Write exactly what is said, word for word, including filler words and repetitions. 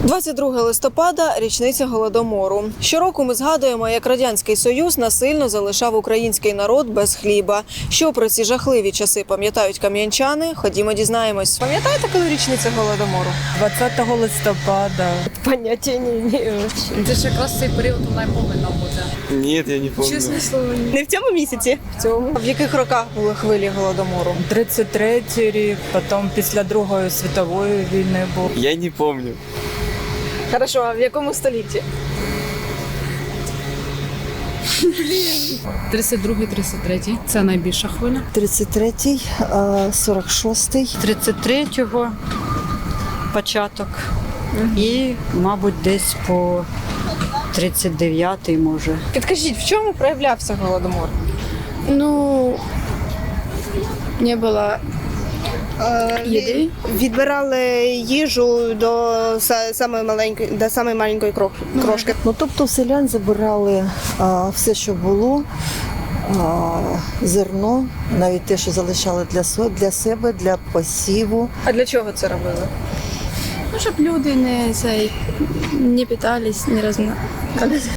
двадцять друге листопада – річниця Голодомору. Щороку ми згадуємо, як Радянський Союз насильно залишав український народ без хліба. Що про ці жахливі часи пам'ятають кам'янчани? Ходімо дізнаємось. Пам'ятаєте, коли річниця Голодомору? двадцятого листопада. Поняття ні. Це ж якраз цей період вона повинна бути. Ні, я не пам'ятаю. Чесне слово, ні. Не в цьому місяці? В цьому. В яких роках були хвилі Голодомору? тридцять третій рік, потім після Другої світової війни був. Я не пам'ятаю. Хорошо, а в якому столітті? тридцять другий тридцять третій. Це найбільша хвиля. тридцять третій, сорок шостий. тридцять третього початок і, мабуть, десь по тридцять дев'ятий, може. Підкажіть, в чому проявлявся Голодомор? Ну, не было еды. Відбирали їжу до са- самої маленької, до самої маленької крох- крошки. Ну, тобто в селян забирали а, все, що було, а, зерно, навіть те, що залишали для, со- для себе, для посіву. А для чого це робили? Ну, щоб люди не, цей, не питались, не розна...